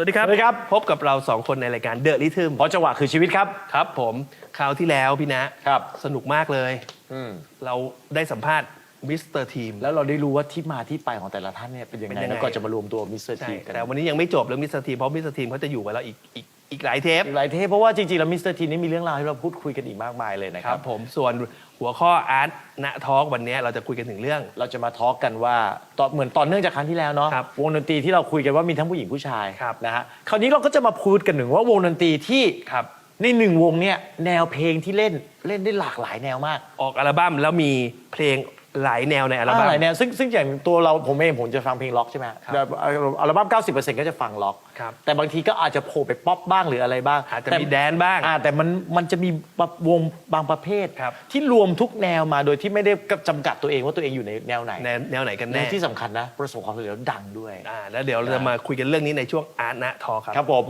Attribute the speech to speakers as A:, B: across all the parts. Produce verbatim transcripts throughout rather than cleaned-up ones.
A: วัสดีครับ
B: สวัสดีครับ
A: พบกับเราสองคนในรายการ The Rhythm
B: เพราะจังหวะคือชีวิตครับ
A: ครับผมคราวที่แล้วพี่นะครับ สนุกมากเลย
B: อืม
A: เราได้สัมภาษณ์มิสเตอร์ทีม
B: แล้วเราได้รู้ว่าที่มาที่ไปของแต่ละท่านเนี่ยเป็นยัง
A: เป็น
B: ไง
A: ยังไง
B: แล้วก็จะมารวมตัวมิสเตอร์
A: ใช่
B: ทีมกัน
A: แต่วันนี้ยังไม่จบเรื่องมิสเตอร์ทีมเพราะมิสเตอร์ทีมเขาจะอยู่กับเราอีกอีกอีกหลายเทป
B: อีกหลายเทปเพราะว่าจริงๆแล้วมิสเตอร์ทีมนี่มีเรื่องราวให้เราพูดคุยกันอีกมากมายเลยนะ
A: ค
B: ค
A: รั
B: รั
A: บบ ผมส่วนหัวข้ออาร์ตณทอล์กวันนี้เราจะคุยกันถึงเรื่อง
B: เราจะมาทอล์กกันว่าตอนเหมือนตอนเนื่องจากครั้งที่แล้วเนาะ
A: ครับ
B: วงดนตรีที่เราคุยกันว่ามีทั้งผู้หญิงผู้ชาย
A: ครับ
B: นะฮะคราวนี้เราก็จะมาพูดกันถึงว่าวงดนตรีที่
A: ครับ
B: ในหนึ่งวงเนี่ยแนวเพลงที่เล่นเล่นได้หลากหลายแนวมาก
A: ออกอัลบั้มแล้วมีเพลงหลายแนวในอัลบั้ม
B: หลายแนวซึ่งซึ่งอย่างตัวเราผมเองผมจะฟังเพลงล็อกใช่ไหม
A: ครับ
B: แบบอัลบั้ม เก้าสิบเปอร์เซ็นต์ ก็จะฟังล็อก
A: ครับ
B: แต่บางทีก็อาจจะโผล่ไปป๊อปบ้างหรืออะไรบ้าง
A: อาจจะ
B: แต่
A: มีแดนบ้าง
B: อ่าแต่มันมันจะมีวงบางประเภท
A: ครับ
B: ที่รวมทุกแนวมาโดยที่ไม่ได้จำกัดตัวเองว่าตัวเองอยู่ในแนวไหน
A: แนวแนวไหนกัน
B: และ
A: แน่
B: ที่สำคัญนะประสบความสำเร็จแล้วดังด้วย
A: อ่าแล้วเดี๋ยวเราจะมาคุยกันเรื่องนี้ในช่วงอาร์ตณทอล์กครับ
B: ครับผม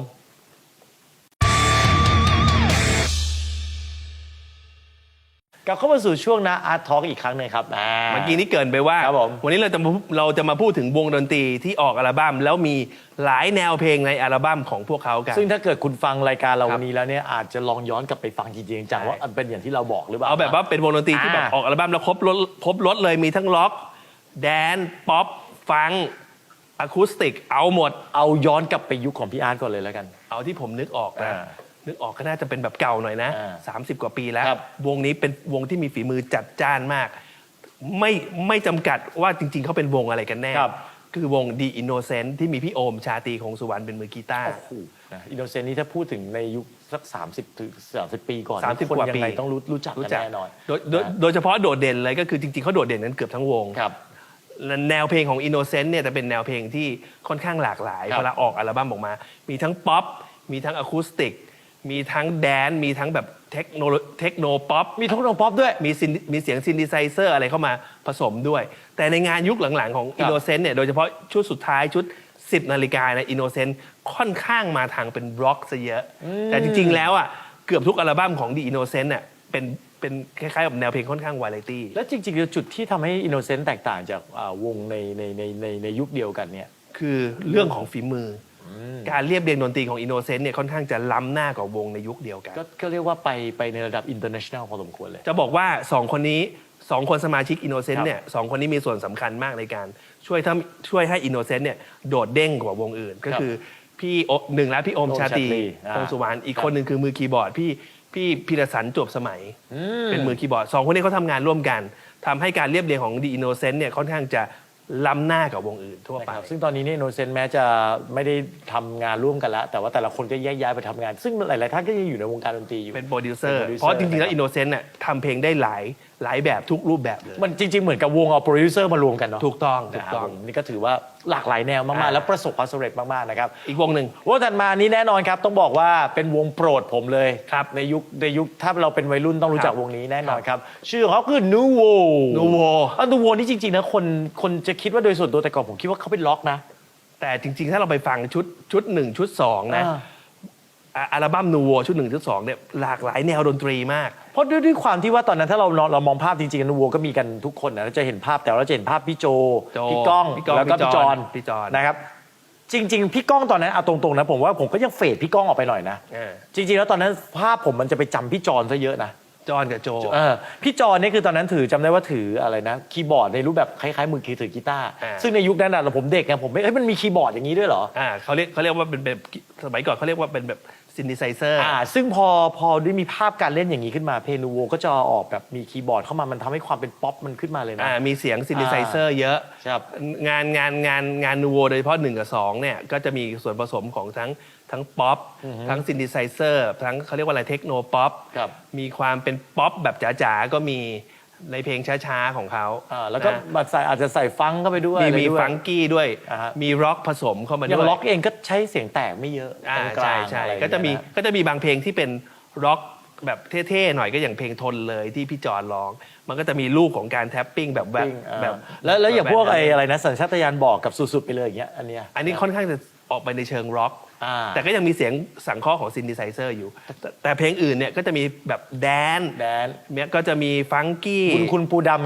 B: กลับเข้ามาสู่ช่วงนะอาร์ตทอล์กอีกครั้งหนึ่งครับอ่า
A: เมื่อกี้นี้เกรินไปว่า
B: ครับผม
A: วันนี้เราจะมาเราจะมาพูดถึงวงดนตรีที่ออกอัลบั้มแล้วมีหลายแนวเพลงในอัลบั้มของพวกเขากัน
B: ซึ่งถ้าเกิดคุณฟังรายการเรา
A: ครับ
B: วันนี้แล้วเนี่ยอาจจะลองย้อนกลับไปฟังจริงๆจัง
A: ใช่
B: ว่าเป็นอย่างที่เราบอกหรือเปล่า
A: เอาแบบว่าเป็นวงดนตรีที่แบบ
B: อ่า
A: ออกอัลบั้มแล้วครบรถครบรถเลยมีทั้งล็อกแดนป๊อปฟังอะคูสติกเอาหมด
B: เอาย้อนกลับไปยุคของพี่อาร์ตก่อนเลยแล้วกัน
A: เอาที่ผมนึกออกนะ
B: อ่า
A: นึกออกก็น่าจะเป็นแบบเก่าหน่อยนะ
B: อ่า
A: สามสิบกว่าปีแล้ว
B: ครับ
A: วงนี้เป็นวงที่มีฝีมือจัดจ้านมาก ไม่ไม่จำกัดว่าจริง ๆเขาเป็นวงอะไรกันแน่
B: ครับ
A: คือวง The Innocent ที่มีพี่โอมชาตรีคงสุวรรณเป็นมือกีตาร์
B: โอ้โหอินโนเซนต์นี่ถ้าพูดถึงในยุคสัก สามสิบถึงสามสิบ ปีก่อน
A: สามสิบ
B: คน
A: กว่า
B: ยัง
A: ปี
B: ไงต้องรู้รู้จัก
A: รู้
B: กัน
A: จัก
B: แน่นอน
A: โดยโดย
B: นะ
A: โดยเฉพาะโดดเด่นเลยก็คือจริงๆเขาโดดเด่นกันเกือบทั้งวง
B: ครับ
A: และแนวเพลงของ Innocent เนี่ยจะเป็นแนวเพลงที่ค่อนข้างหลากหลาย
B: ครับ
A: เวลาออกอัลบั้มออกมา มีทั้งป๊อปมีทั้งอะคูสติกมีทั้งแดนซ์มีทั้งแบบเทคโนเทคโนป๊อป
B: มีทุกโนป๊อปด้วย
A: มีซินมีเสียงซินดิไซเซอร์อะไรเข้ามาผสมด้วย แต่ในงานยุคหลังๆของ
B: ครับ
A: Innocent เนี่ยโดยเฉพาะชุดสุดท้ายชุด สิบนาฬิกาใน Innocent ค่อนข้างมาทางเป็นร็อกซะเยอะ แต่จริงๆแล้วอ่ะเกือบทุกอัลบั้มของ The Innocent เนี่ยเป็นเป็นคล้ายๆกับแนวเพลงค่อนข้างวาไรตี้
B: แล้วจริงๆจุดที่ทำให้อินโนเซนต์แตกต่างจากอ่าวงในในในในในยุคเดียวกันเนี่ย
A: คือเรื่องของฝีมืออการเรียบเรียงดนตรีของ Innocent เนี่ยค่อนข้างจะล้ำหน้ากว่าวงในยุคเดียวกัน
B: ก็ก็เรียกว่าไปไปในระดับอินเตอร์เนชั่นแนลพอสมควรเลย
A: จะบอกว่าสองคนนี้สองคนสมาชิก Innocent
B: ครับ
A: เนี่ยสองคนนี้มีส่วนสำคัญมากในการช่วยทำช่วยให้ Innocent เนี่ยโดดเด้งกว่าวงอื่น ก็คือพี่โอหนึ่งแล้วพี่โอม
B: โอม
A: ชาตรี
B: ชาตรีอ่า
A: คงสุวรรณอีก
B: ครับ
A: คนหนึ่งคือมือคีย์บอร์ดพี่พี่พิรสันจวบสมัย
B: อื
A: เป็นมือคีย์บอร์ดสองคนนี้เขาทำงานร่วมกันทำให้การเรียบเรียงของ The Innocent เนี่ยค่อนข้างจะล้ำหน้ากับวงอื่นทั่ว
B: นะ
A: ไป
B: ครับซึ่งตอนนี้เนี่ยโนเซนแม้จะไม่ได้ทำงานร่วมกันแล้ว แต่ว่าแต่ละคนก็แยกย้ายไปทำงาน ซึ่งหลาย ๆ ท่านก็ยังอยู่ในวงการดนตรีอยู่
A: เป็นโปรดิวเซอร์
B: เป็นโปรดิวเซอร์
A: เพราะจริงๆ แล้ว
B: นะครับ
A: Innocent เนี่ยทำเพลงได้หลายหลายแบบทุกรูปแบบเลย
B: มันจริง ๆ เหมือนกับวงเอาโปรดิวเซอร์มารวมกันเนาะ
A: ถูกต้องถู
B: นะ
A: ก
B: ครับ
A: ต้อง
B: ผมนี่ก็ถือว่าหลากหลายแนวมาก
A: อ่า
B: ๆ แล้วประสบความสำเร็จมาก ๆ นะครับ
A: อีกวงหนึ่ง
B: วงถัดมานี้แน่นอนครับ ต้องบอกว่าเป็นวงโปรดผมเลย
A: ครับ
B: ในยุคในยุคถ้าเราเป็นวัยรุ่นต้องรู้จัก
A: ครับ
B: วงนี้แน่นอนครับ ชื่อของเขาคือนูโว
A: Nuvo
B: อันนูโวนี่จริง ๆ นะคนคนจะคิดว่าโดยส่วนตัวแต่ก่อนผมคิดว่าเขาเป็นล็อกนะ
A: แต่จริง ๆ ถ้าเราไปฟังชุดชุดหนึ่งชุดสองนะ
B: อ่า
A: อ่ะอัลบั้มนูโวชุดหนึ่งชุดสองเนี่ยหลากหลายแนวดนตรีมาก
B: เพราะด้วยด้วยความที่ว่าตอนนั้นถ้าเราเราเรามองภาพจริงๆนูโวก็มีกันทุกคนนะเราจะเห็นภาพแต่เราจะเห็นภาพพี่โจ
A: โจ
B: พี่ก้อง
A: พี่ก้อง
B: แล้วก็
A: พี่
B: พี่
A: จ
B: จ
A: อ
B: อน น
A: พี่จอน
B: นะครับ จริง ๆ พี่ก้องตอนนั้นเอาตรงๆนะผมว่าผมก็ยังเฟดพี่ก้องออกไปหน่อยนะ
A: เออ
B: จริง ๆ แล้วตอนนั้นภาพผมมันจะไปจำพี่จอนซะเยอะนะ
A: จอนกับโจ
B: เออพี่จอนนี่คือตอนนั้นถือจำได้ว่าถืออะไรนะคีย์บอร์ดในรูปแบบคล้ายๆมือคีย์ถือกีตาร์
A: อ่า
B: ซึ่งในยุคนั้นน่ะผมเด็กไงผมไม่เอ้ยมันมีคีย์บอร์ดอย่างนี้ด้วยเหรอ
A: อ่าเขาเรียกเขาเรียกว่าเป็นแบบสมัยก่อนเขาเรียกว่าเป็นแบบซินดิไซเซอร์
B: อ่าซึ่งพอพอได้มีภาพการเล่นอย่างนี้ขึ้นมาเพนูโวก็จะออกแบบมีคีย์บอร์ดเข้ามามันทำให้ความเป็นป๊อปมันขึ้นมาเลยนะ
A: อ่ามีเสียงซินดิไซเซอร์เยอะ
B: ครับ
A: งานงานงานงานนูโวโดยเฉพาะหนึ่งกับสองเนี่ยก็จะมีส่วนผสมของทั้งทั้งป๊อปทั้งซินดิไซเซอร์ทั้งเขาเรียกว่าอะไรเทคโนป๊อป
B: ครับ
A: มีความเป็นป๊อปแบบจ๋าๆก็มีในเพลงช้าๆของเขา
B: อ่าแล้วก็
A: นะ
B: มาใส่อาจจะใส่ฟังเข้าไปด้วย
A: มี
B: อะไร
A: มี
B: ด้วย
A: ฟังกี้ด้วย
B: อ่าฮะ
A: มีร็อกผสมเข้ามา
B: อย่า
A: ด้วย
B: งล็อกเองก็ใช้เสียงแตกไม่เยอะ
A: อ่าก
B: ลา
A: ใช่
B: งๆ
A: ใช่
B: อไรอย่าง
A: ก็
B: เงี้ย
A: จะมี
B: น
A: ก็จะมีบางเพลงที่เป็นร็อกแบบเท่ๆหน่อยก็อย่างเพลงทนเลยที่พี่จอนร้อง มันก็จะมีลูกของการแท็ปปิ้งแบบแบบ
B: ปิ้งอ่า
A: แบบ
B: แล้วแล้วอย่างพวก
A: แบบ
B: ไอ้อะไรนะสัญชาตญาณบอกกับสุดๆไปเลยอย่างเงี้ยอันเนี้ย
A: อันนี้ค่อนข้างจะออกไปในเชิงร็อก
B: อ่า
A: แต่ก็ยังมีเสียงสังเคราะห์ของซินดิไซเซอร์อยู่ แต่แต่เพลงอื่นเนี่ยก็จะมีแบบแดน
B: แดน
A: เนี่ยก็จะมีฟังกี้
B: คุณคุณปูดำเนี้ย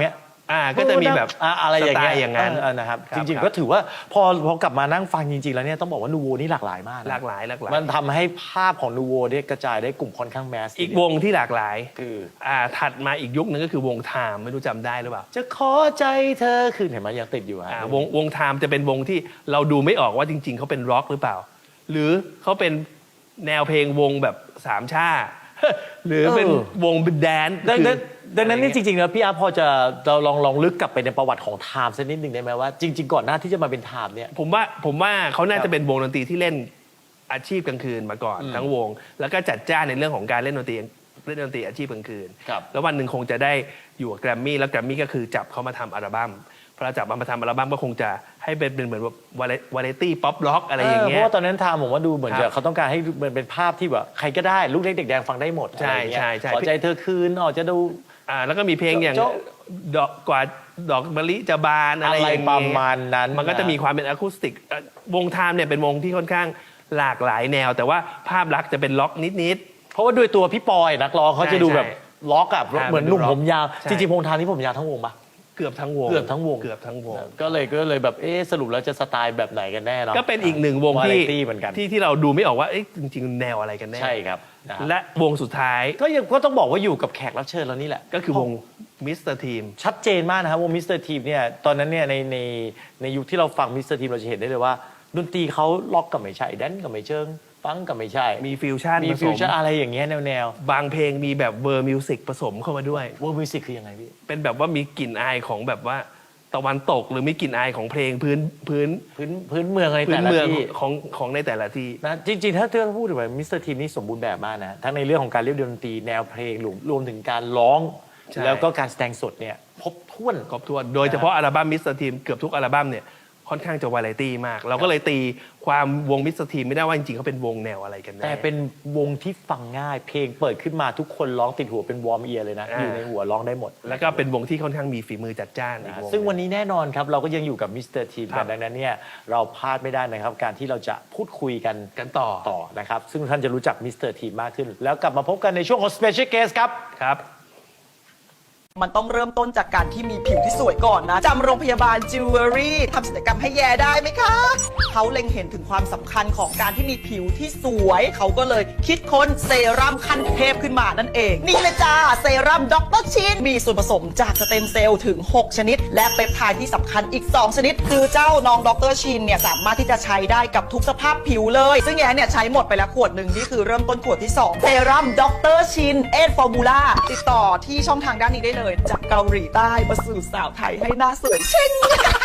A: อ่าก็จะมีแบบ
B: อ่ะอะไรอย่างเงี้ย
A: สไตล์อย่างนั้น
B: เนะครับ
A: ครับ
B: จริง
A: ครับ
B: ๆก็ถือว่าพอพอกลับมานั่งฟังจริงๆแล้วเนี่ยต้องบอกว่านูโวนี่หลากหลายมากนะ
A: หลากหลายหลากหลาย
B: มันทำให้ภาพของนูโวเนี่ยกระจายได้กลุ่มค่อนข้างแมส
A: อีกวงที่หลากหลาย
B: คือ
A: อ่าถัดมาอีกยุคนึงก็คือวงไทม์ไม่รู้จำได้หรือเปล่า
B: จะขอใจเธอคือเห็นไหมยังติดอยู่ฮะ
A: อ่าวงวงไทม์จะเป็นวงที่เราดูไม่ออกว่าจริง ๆเขาเป็นร็อกหรือเปล่า หรือเขาเป็นแนวเพลงวงแบบสามชา หรือเป็นวงเป็นแดนซ์
B: ดังนั้น
A: คือ
B: ดังนั้นนี่
A: อะไร
B: จ
A: เงี้ย
B: ริงๆแล้วพี่อาร์ตพอจะเราลองลองลึกกลับไปในประวัติของไทม์สักนิดหนึ่งได้ไหมว่าจริง ๆ ก่อนหน้าที่จะมาเป็นไทม์เนี่ย
A: ผมว่าผมว่าเขาน่า
B: ครั
A: จะ
B: บ
A: เป็นวงดนตรีที่เล่นอาชีพกลางคืนมาก่อน
B: อืม
A: ทั้งวง แล้วก็จัดจ้านในเรื่องของการเล่นดนตรีเล่นดนตรีอาชีพกลางคืน
B: ครับ
A: แล้ววันหนึ่งคงจะได้อยู่กับแกรมมี่แล้วแกรมมี่ก็คือจับเขามาทำอัลบั้มพอเราจับมาทำอัลบั้มก็คงจะให้เป็นเป็นเหมือนแบบวาไรตี้ป๊อปร็อกอะไรอย่าง
B: เพ
A: เงี้ย
B: ราะว่าตอนนั้นไทม์ผมว่าดูเหมือน
A: ครั
B: จะ
A: บ
B: เขาต้องการให้มันเป็นภาพที่แบบใครก็ได้ลูกเล็กเด็กแดงฟังได้หมด
A: ใช่
B: อะไรอย่างเงี้ย
A: ใช่ใช่
B: ขอใจเธอคืนออกจะดู
A: อ่าแล้วก็มีเพลงอย่าง
B: โจ๊ะ
A: ดอกกว่าดอกมะลิจะบานอะไร
B: อะไร
A: อย่าง
B: ป
A: เงี้
B: ระ
A: ย
B: มาณนั้น
A: มันก็จะมีความเป็นอะคูสติกเอ่อวงไทม์เนี่ยเป็นวงที่ค่อนข้างหลากหลายแนว แต่ว่าภาพลักษณ์จะเป็นล็อกนิด
B: เพราะว่าด้วยตัวพี่ปอยนักร้องเขาจะดูแบบ
A: ใช่
B: ล็อกอะ
A: ใช่
B: เหมือนหนุ่ม
A: มันดูล็อก
B: ผมยาว
A: ใช่
B: จริงๆวงไทม์นี่ผมยาวทั้งวงปะ
A: ๆ เกือบทั้งวง
B: เกือบทั้งวง
A: เกือบทั้งวง
B: ก็เลยก็เลยแบบเอ๊ะสรุปแล้วจะสไตล์แบบไหนกันแน่เนาะ
A: ก็เป็นอีกหนึ่งวง
B: วาไร
A: ที่
B: ตี้เหมือนกัน
A: ที่ที่เราดูไม่ออกว่าเอ๊ะจริงๆ แนวอะไรกันแน่
B: ใช่ครับนะครับ
A: และวงสุดท้าย
B: ก็ยังก็ต้องบอกว่าอยู่กับแขกรับเชิญเรานี่แหละ
A: ก็คือวงมิสเตอร์ทีม
B: ชัดเจนมากนะครับวงมิสเตอร์ทีมเนี่ยตอนนั้นเนี่ยในในในยุคที่เราฟังมิสเตอร์ทีมเราจะเห็นได้เลยว่าดนตรีเขาล็อกกับไม่ใช่แดนซ์กับไม่เชิงฟังกับไม่ใช่
A: มีฟิวชั่น
B: มี
A: ผส
B: ฟิว
A: ม
B: ชั่นอะไรอย่างเงี้ยแนวแนว
A: บางเพลงมีแบบเวอร์มิวสิกผสมเข้ามาด้วย
B: วงมิวสิกคือยังไงพี่
A: เป็นแบบว่ามีกลิ่นอายของแบบว่าตะวันตกหรือมีกลิ่นอายของเพลงพื้นพื้น
B: พื้นพื้นเมืองอะไร
A: พื้
B: แต่
A: น
B: ละ
A: เมือง
B: ที่
A: ของของในแต่ละที่
B: นะจริงๆ ถ้าเธอพูดถึงแบบมิสเตอร์ทีมนี่สมบูรณ์แบบมากนะทั้งในเรื่องของการเรียบเรียงดนตรีแนวเพลงรวมรวมถึงการร้อง
A: ใช่
B: แล้วก็การแสดงสดเนี่ยครบถ้วน
A: ครบถ้วนโดยเฉพาะอัลบั้มมิสเตอร์ทีมเกือบทุกอัลบั้มเนี่ยค่อนข้างจะวาไรตี้มาก เราก็เลยตีความวงมิสเตอร์ทีมไม่ได้ว่าจริงๆเขาเป็นวงแนวอะไรกันแน่
B: แต่เป็นวงที่ฟังง่าย เพลงเปิดขึ้นมาทุกคนร้องติดหัวเป็นวอร์มเอียร์เลยนะ
A: อ่า
B: อยู่ในหัวร้องได้หมด
A: แล้วก็เป็นวงที่ค่อนข้างมีฝีมือจัดจ้านอีกวง
B: ซึ่งวันนี้แน่นอนครับ เราก็ยังอยู่กับมิสเตอร์ทีม
A: ครั
B: กัน
A: บ
B: ดังนั้นเนี่ยเราพลาดไม่ได้นะครับ การที่เราจะพูดคุยกัน
A: กันต่อ
B: ต่อนะครับ ซึ่งท่านจะรู้จักมิสเตอร์ทีมมากขึ้น แล้วกลับมาพบกันในช่วงของ Special Guest ครับ
A: ครับ
C: มันต้องเริ่มต้นจากการที่มีผิวที่สวยก่อนนะจำโรงพยาบาลจิวเวลรี่ทำศัลยกรรมให้แย่ได้ไหมคะ เขาเล็งเห็นถึงความสำคัญของการที่มีผิวที่สวย เขาก็เลยคิดค้นเซรั่มขั้นเทพขึ้นมานั่นเอง นี่เลยจ้าเซรั่มด็อกเตอร์ชินมีส่วนผสมจากสเต็มเซลล์ถึง หก ชนิด และเปปไทด์ที่สำคัญอีก สอง ชนิด คือเจ้าน้องด็อกเตอร์ชินเนี่ยสามารถที่จะใช้ได้กับทุกสภาพผิวเลย ซึ่งแย่เนี่ยใช้หมดไปแล้วขวดหนึ่งนี่คือเริ่มต้นขวดที่สองเซรั่มด็อกเตอร์ชินเอทฟอร์มูล่าติดต่อที่ช่องทางด้านนี้ได้เลยจากเกาหลีใต้มาสู่สาวไทยให้หน้าสวยเช่ง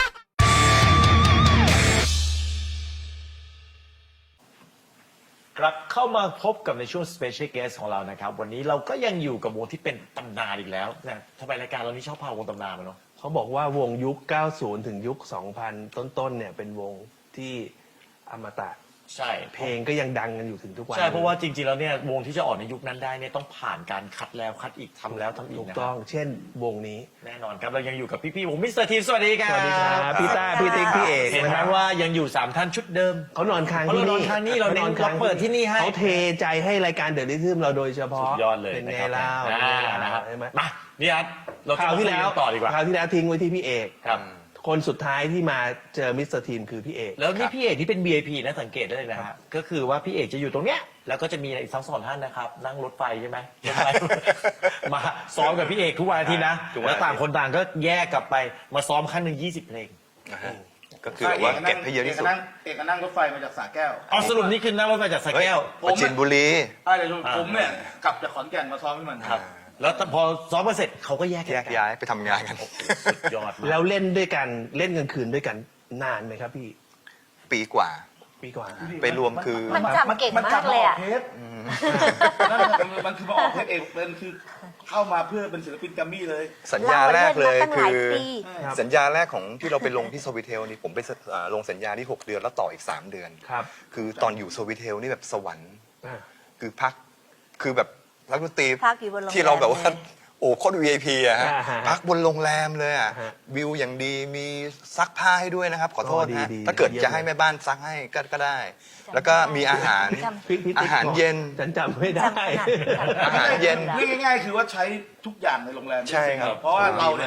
B: กลับเข้ามาพบกับในช่วง Special Guest ของเรานะครับ วันนี้เราก็ยังอยู่กับวงที่เป็นตำนานอีกแล้วนะทำไมรายการเรานี่ชอบพาวงตำนานมาเนาะ
A: เขาบอกว่าวงยุค เก้าสิบ ถึงยุค สองพัน ต้นๆเนี่ยเป็นวงที่อมตะ
B: ใช่
A: เพลงก็ยังดังกันอยู่ถึงทุกวัน
B: ใช่เพราะว่าจริงๆแล้วเนี่ยวงที่จะออกในยุคนั้นได้เนี่ยต้องผ่านการคัดแล้วคัดอีกทำแล้วทำอี
A: ถู
B: ก
A: ก
B: นะ
A: ต้องเช่นวงนี้
B: แน่นอนครับเรายังอยู่กับพี่ๆวงมิสเตอร์ทีมสวัสดีครับ
A: สวัสดีครับพี่ต้าพี่ติ๊กพี่เอก
B: เห็นไหม
A: นะครับ
B: ว่ายังอยู่สามท่านชุดเดิม
A: เขานอนค้าง
B: เขา
A: ที่
B: น
A: นี่
B: อนค้างนี่เราเน้น
A: ค้
B: เราเปิดที่นี่ให้
A: เขาเทใจให้รายการเดอะลิทึมเราโดยเฉพาะ
B: สุดยอดเลย
A: เป็น
B: นะ
A: ไง
B: ครับ
A: เล่า
B: อ่านะครับ
A: ใช่ไหม
B: มานี่อาร์ตเรา
A: ค
B: จะ
A: ราว
B: มา
A: ที่
B: คุย
A: แล้ว
B: กันต่อดีกว่า
A: คราวที่แล้วทิ้งไว้ที่พี่เอก
B: ครับ
A: คนสุดท้ายที่มาเจอมิสเตอร์ทีมคือพี่เอก
B: แล้วนี่พี่เอกที่เป็น วี ไอ พี นะสังเกตได้เลยนะฮะก็คือว่าพี่เอกจะอยู่ตรงเนี้ยแล้วก็จะมีอีกทั้งสองท่านนะครับนั่งรถไฟใช่ไหมรถไฟ มาซ้อมกับพี่เอกทุกวันอาทิตย์นะ
D: ทุกวันอาทิตย์
B: แล้วต่างคนต่างก็แยกกลับไปมาซ้อมครั้งหนึ่งยี่สิบเพลง
D: นะฮะก็คือแบบว่าเก็บให้เยอะที่สุด
E: กนั่งเอกก็นั่งรถไฟมาจากสระแก้ว
B: เอาสรุปนี่คือนั่งรถไฟจากสระแก้ว
D: ปราจินบุรี
E: อ่าเดี๋ยวดู
B: อ่า
E: ผมเนี่ยกลับจากขอนแก่นมาซ้อมให้มัน
B: ครับแล้วพอซ้อมมาเสร็จเขาก็แยก
D: แยกย้ายไปทำงานกัน
B: สุดยอดมาก
A: แล้วเล่นด้วยกันเล่นกลางคืนด้วยกันนานไหมครับพี่
D: ปีกว่า
A: ปีกว่า
D: ไปรวมคือ
F: มันจำเก่งมากเลยอะ
E: นั่นมันมันคือมาออกเทปเอกมันคือเข้ามาเพื่อเป็นศิลปินแกรมมี่เลย
D: สัญญาแรกเลย
F: เราเล่นมาตั้งห
D: คื
F: ลาย
D: อ
F: ปี
A: ครับ
D: สัญญาแรกของที่เราไปลงที่สวิเทลนี่ผมไปสอ่าลงสัญญาที่หกเดือนแล้วต่ออีกสามเดือน
A: ครับ
D: คือตอนอยู่สวิเทลนี่แบบสวรรค์
A: อ่า
D: คือพักคือแบบนักดนตรี
F: พักอยู่บนโรงแรม
D: ที่เราแบบว่า
F: เลย
D: โอ้โคตร วี ไอ พี อะฮะ
A: อ่าฮะ
D: พักบนโรงแรมเลยอะ
A: ฮะ
D: วิวอย่างดีมีซักผ้าให้ด้วยนะครับ ขอโทษ
A: อ๋อดี
D: นะ
A: ดี
D: ถ้าเกิด
A: เยี่ยม
D: จะให้แม่บ้านซักให้ก็ก็ได้ แล้วก็มีอาหาร
F: จำ
A: พี่พี่ติ๊ก
D: อาหาร
A: บอก
D: เย็น
A: ฉันจำไม่ได้
F: จำขนาด
D: อาหารเย็น
E: เรียกง่ายๆคือว่าใช้ทุกอย่างในโรงแรม
D: ใช่ครับ
E: เพราะว่าเราเนี่ย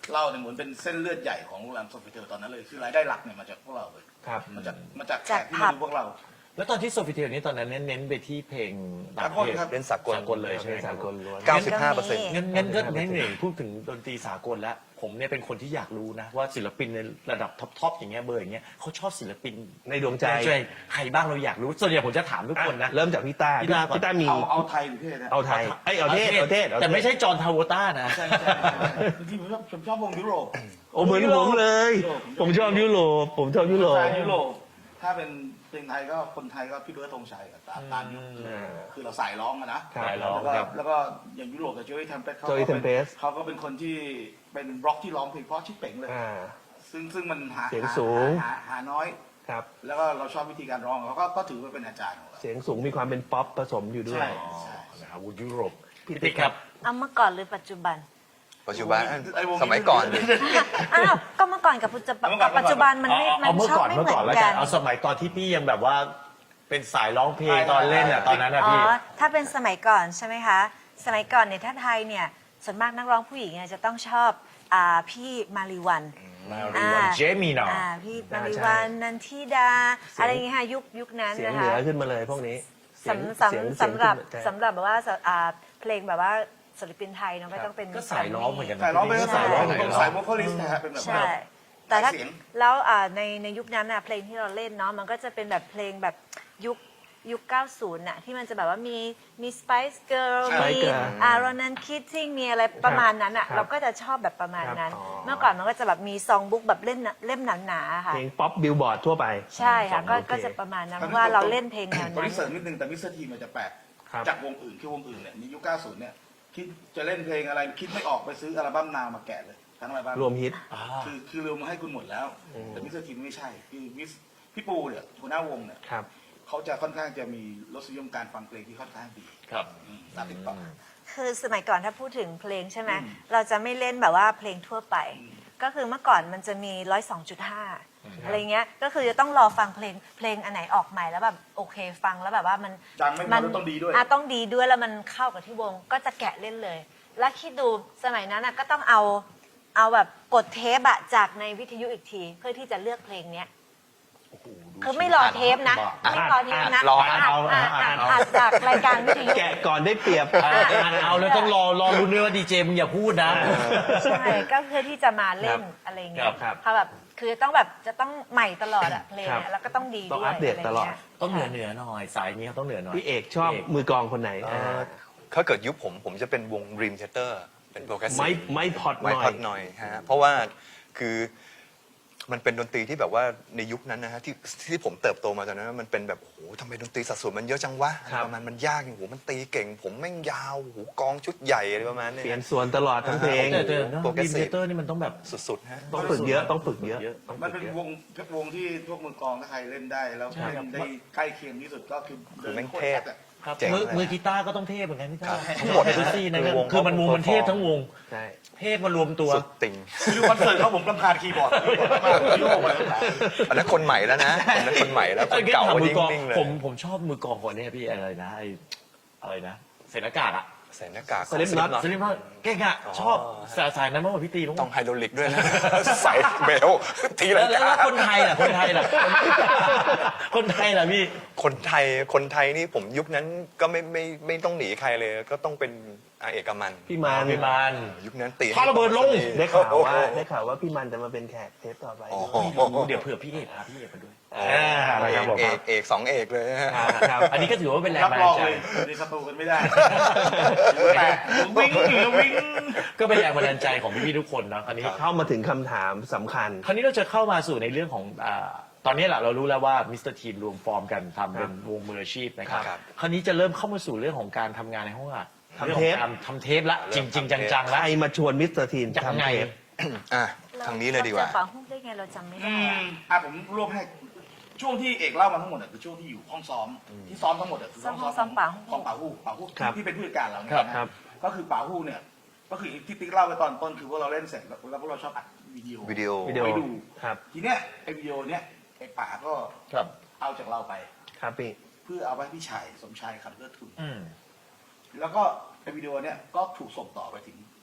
E: เหล้าเนี่ยเหมือนเป็นเส้นเลือดใหญ่ของโรงแรมโซฟิเทลตอนนั้นเลยคือรายได้หลักเนี่ยมาจากพวกเราเลย
A: ครับ
E: มาจากมาจากแข
F: จาก
E: กที่
F: ผั
E: มา
F: บ
E: ดูพวกเรา
B: แล้วตอนที่โซฟิเทลนี้ตอนนั้นเน้นไปที่เพลงต่างประเทศ
E: สากลครับ
D: เล่นสากล
B: สากลเลยใช่ไหม
A: เป็น
B: ครั
A: สา
B: บ
A: กลล้วน
D: เก้าสิบห้าเปอร์เซ็นต์
B: งั้นงั้นก็งั้นหนึ่งพูดถึงดนตรีสากลแล้ว ผมเนี่ยเป็นคนที่อยากรู้นะ ว่าศิลปินในระดับท็อปๆอย่างเงี้ยเบอร์อย่างเงี้ยเขาชอบศิลปิน
A: ในดวงใจ
B: ใครบ้างเราอยากรู้ส่วนใหญ่ผมจะถามทุกคนนะ
A: เริ่มจากพี่ต้า
B: พี่ต้าก่อน
A: พี่ต้ามี
E: เอาเอาไทยหรือเทศนะ
A: เอาไทยเอ้ยเอาเทศเอาเทศเอาเทศ
B: แต่ไม่ใช่จอห์นทาวเวต้านะ
E: ใช่ใช่จริงๆผมชอบผมชอบวงยุโรป
A: โอ้เหมือนผมเลย ผมชอบยุโรปผมชอบยุโรป
E: สายยุโรปถ้าเป็นเพลงไทยก็คนไทยก็พี่เบิร์ดธงชัยกับตามตามยุคคือเราสายร้องอะนะครับ
B: สายร้อง
E: แล้วก็
B: ครับ
E: แล้วก็อย่างยุโรปกับโจยทัมเปสเขาก็
A: Joey
E: เป็น
A: Tempest
E: เขาก็เป็นคนที่เป็นร็อกที่ร้องเพลงเพราะชิบเป๋งเลย
A: อ่า
E: ซึ่งซึ่งมันหา
A: เสียง
E: หา
A: สูง
E: หาหาน้อย
A: ครับ
E: แล้วก็เราชอบวิธีการร้องเขาก็ก็ถือว่าเป็นอาจารย์ของเรา
A: เสียงสูงมีความเป็นป๊อปผสมอยู่ด้วย
E: ใช่ใช่
B: นะครับยุโรป
A: พี่
B: พี่
A: ติ๊
B: ติ๊
A: ก
B: ก
A: ค
B: ค
A: รั
B: รับ บ
F: เอาเมื่อก่อนหรือปัจจุบัน
D: ปัจจุบัน
E: ไอ้วงนี้
D: สมัยก่อน
F: อ้าวก็เมื่อก่อนกับปัจจุบัน
E: เมื่อก่อน
F: ปัจจุบันมันไม่
B: เอา
F: มั
B: เอา
F: น
B: เมื่อ
F: ชอบ
B: ก่อน
F: ไม่
B: เมื่อ
F: เหมื
B: ก่อน
F: อน
B: แล้ว
F: กั
B: กัน
F: น
B: เอาสมัยตอนที่พี่ยังแบบว่าเป็นสายร้องเพลงตอนเล่นอ่ะตอนนั้นอ่ะ
F: อ๋อ
B: พี่
F: ถ้าเป็นสมัยก่อนใช่ไหมคะ สมัยก่อนเนี่ยถ้าไทยเนี่ยส่วนมากนักร้องผู้หญิงเนี่ยจะต้องชอบอ่าพี่มาริวัน
B: มาริวันเจมี่นอ
F: อ่าพี่มาริ
A: ใช่
F: วันนันทิดา อะไรอย่างเงี้ยค่ะยุคยุคนั้น
A: เสียง
F: นะ
A: เหนื
F: คะ
A: อขึ้นมาเลยพวกนี้เสียง
F: สำ
A: เสียง
F: สำ
A: เสียง
F: สำหรับ
A: ขึ้นมา
F: สำหรับแบบว่าสอ่าเพลงแบบว่าศิลปินไทยเนาะก็ต้องเป็น
B: ก็สายร้องเหมือนกันนะ
E: สายร้องเป็น
B: พี่
E: สายร้อง
B: สาย
E: เป็น
B: ร้อง
E: สายโวคอลิสต์นะฮะเป็นแบบ
F: ใช่ แต่ถ้า
E: เสียง
F: แล้วอ่าในในยุคนั้นน่ะเพลงที่เราเล่นเนาะมันก็จะเป็นแบบเพลงแบบยุคยุค เก้าสิบ น่ะที่มันจะแบบว่ามีมี Spice Girl มี
A: Spice Girl
F: อ่ารอนันคิดซิ่งมีอะไรประมาณนั้นอ่ะ
A: ครับ
F: เราก็จะชอบแบบประมาณนั้น
A: ครับอ๋อ
F: เมื่อก่อนมันก็จะแบบมีซองบุ๊กแบบเล่มเล่มหนาๆค่ะ
A: เพลงป๊อปบิลบอร์ดทั่วไป
F: ใช่ค่ะก็
A: โอเค
F: ก็จะประมาณนั้นเพราะว่าเราเล่นเพลงแนว
E: ตอน
F: นั้น
E: นี้เสริมนิดนึงแต่มิสเตอร์ทีมันจะแปลก
A: ครับ
E: จากวงอื่นคือวงอื่นเนี่ยในยุค เก้าสิบ เนี่ยคิดจะเล่นเพลงอะไรคิดไม่ออกไปซื้ออัลบั้มนาวมาแกะเลยทั้งอัลบั้ม
A: รวมฮิต
E: คือคือรวมมาให้คุณหมดแล้ว แต่มิสเตอร์ทีไม่ใช่คือมิสพี่ปูเนี่ยหัวหน้าวงเนี่ย
A: ครับ
E: เขาจะค่อนข้างจะมีรสนิยมการฟังเพลงที่ค่อนข้างดี
B: ครับ
E: อืมตามติดต่อ
F: คือสมัยก่อนถ้าพูดถึงเพลงใช่ไหมเราจะไม่เล่นแบบว่าเพลงทั่วไป ก็คือเมื่อก่อนมันจะมีร้อยสองจุดห้าอะไรเงี้ยก็คือจะต้องรอฟังเพลงเพลงอันไหนออกใหม่แล้วแบบโอเคฟังแล้วแบบว่ามัน
E: ดังไม่พอแล้วต้องดีด้วย
F: อ่ะต้องดีด้วยแล้วมันเข้ากับที่วงก็จะแกะเล่นเลย แล้วคิดดูสมัยนั้นอ่ะก็ต้องเอาเอาแบบกดเทปอะจากในวิทยุอีกที เพื่อที่จะเลือกเพลงเนี้ยคือไม่รอเทปนะไม่รอเทปนะ
B: รออ่านเอา
F: อ่าน
B: อ่า
F: อ่าน น
B: เอา
F: อ่านจากรายการวิทยุ
A: แกะก่อนได้เปรียบ
B: อ่านเอาแล้วต้องรอรอรุ้นด้วยว่าดีเจมึงอย่าพูดนะ
F: ใช่ก็เพื่อที่จะมาเล่นอะไรเงี้
B: ครั
F: ย
B: บครับ
F: เขาแบบคือต้องแบบจะต้องใหม่ตลอดอะเพลง
A: ครั
F: เนี่ย
A: บ
F: แล้วก็ต้องดี
A: ต้อง
F: ด้วย
A: อัปเดตตลอด
F: ะไรงี้ย
B: ต้องเหนือเหนือหน่อยสายนี้เขาต้องเหนือหน่อย
A: พี่เอกชอบมือกลองคนไหน
D: เอ่อถ้าเกิดยุคผมผมจะเป็นวง Dream Theater เป็นโปรแกรสซีฟ
A: ไม้ไม้พอดห
D: ไม้
A: น่อ
D: พอย ดหน่อยฮะเพราะว่าคือมันเป็นดนตรีที่แบบว่าในยุคนั้นนะฮะที่ที่ผมเติบโตมาตอนนั้นมันเป็นแบบโอ้โหทำไมดนตรีสัดส่วนมันเยอะจังวะอะไรประมาณมันยากอย่างโหมันตีเก่ง ผมแม่งยาวโหกองชุดใหญ่อะไรประมาณเนี้
A: เปลี่ยน
D: ย
A: ส่วนตลอดทั้งเพลง
B: แต่แต่
D: โปรแกร
B: ดี
D: ส
B: เม
D: ซีฟ
B: เตอร์นี่มันต้องแบบ
D: สุดๆฮะ
A: ต้องฝึกเยอะต้องฝึกเยอะต้อง
E: มัน
A: ฝึ
E: เป็น
A: กเยอะ
E: วงวงที่พวกมือกลองถ้าใครเล่นได้ แล้ว
B: ใช่
E: เล่นได้ใกล้เคียงที่สุดก็คือ
D: คือแม่ง
E: โคตร
D: เทพ
E: แซ่บอะ
B: ครับ
D: เจ๋ง
B: มือ
D: เลย
B: มือกีตาร์ก็ต้องเทพเหมือนกันพี่
D: ครั
B: ตา
D: บ
B: ทั้งหมดทุกซี่นะ
D: คือวง
B: คือมันวงมันเทพทั้งวง
A: ใช่
B: เทพมารวมตัว
D: สุดติ่ง
E: คือคอนเสิร์ตเขาผมรำคาญคีย์บอร์ดมากโยกไปเลย
D: อันนั้นคนใหม่แล้วนะอันนั้นคนใหม่แล้วคนเก่า
B: ถาม
D: ก็
B: มือกลอง
D: นิ่งๆเลย
B: ผมผมชอบมือกลองคนเนี้พี่อะไรนะไออะไรนะใส่หน้ากากอะ
D: ใส่หน้ากาก
A: สลิปน็อต
B: สลิปว่าเก่งอะชอบสายสายนั้นมากกว่าพี่ตีมั้ง
D: ต้องไฮโดรลิกด้วยนะ ใส่เบลที
B: แล้
D: ละ
B: วแล้วแล้วคนไทยล่ะคนไทยล่ะคนไทยล่ะพี่
D: คนไทยคนไทยนี่ผมยุคนั้นก็ไม่ไม่ไม่ต้องหนีใครเลย ก็ต้องเป็นอาเอกมัน
A: พี่มัน
B: พี่มาน
D: ยุคนั้นตี
B: พาระเบิดลง
A: ได้ข่าวว่าได้ข่าวว่าพี่มันจะมาเป็นแขกเทปต่อไป
D: โอ้โห
B: เดี๋ยวเผื่อพี่เอกพาพี่เอกมาด้วย
A: อ่า
D: เอ
A: ครับ
D: ก
A: ผม
D: เอกเอกสองเอกเลยฮะ
A: ครับ
B: อันนี้ก็ถือว่าเป็นแรง
E: รับ
B: บัน
E: ร
B: ดา
E: อ
B: ล
E: ง
B: ใจ
E: เลยในสตูกันไม่ได้แต่วิ่งอยู่วิ่ง
B: ก็เป็นแรงบันดาลใจของพี่ๆทุกคนนะคราวนี้
A: เข้ามาถึงคำถามสำคัญ
B: คราวนี้เราจะเข้ามาสู่ในเรื่องของอ่าตอนนี้แหละเรารู้แล้วว่ามิสเตอร์ทีมรวมฟอร์มกันทำเป็นวงมืออาชีพนะครับ
D: ครับ
B: คราวนี้จะเริ่มเข้ามาสู่เรื่องของการทำงานในห้องอัด
A: ทำเทป
B: รื่องของการทำเทปละจริงจริงๆจังๆ
A: ใค
B: ละ
A: รมาชวนมิสเตอร์ทีน
B: ยัง
A: ทำ
B: ไง
A: เทป
D: อ่ะทางนี้เลยดีกว่า
F: รจะฝาหุ้มได้ไงเราจำไม่ได้อะ
E: อ่ะผมรวบให้ช่วงที่เอกเล่ามาทั้งหมดเนี่ยคือช่วงที่อยู่ห้องซ้อมที่ซ้อมทั้งหมดเนี่ยคือห้องซ้อมของป่าฮู้ป่าฮู้ที่เป็นผู้จัดการเราเนี่ยนะก็คือป่าฮู้เนี่ยก็คือที่ติ๊กเล่าไปตอนต้นคือว่าเราเล่นเสร็จแล้วแล้วพวกเราชอบอัดวิดีโอ
D: วิดีโอ
A: วิดีโอ
E: ไปดู
A: ครับ
E: ทีเนี้ยไอวิดีโอเนี้ยไอป่าก็
B: ครับ
E: เอาจากเราไป
A: ครับพี่
E: เพื่อเอาไว้ให้พี่ชายสมชายขับเลือดทุน
B: อืม
E: แล้วก็ไอวิดีโอเนี้ยก็ถูกส่งต่อไปถึง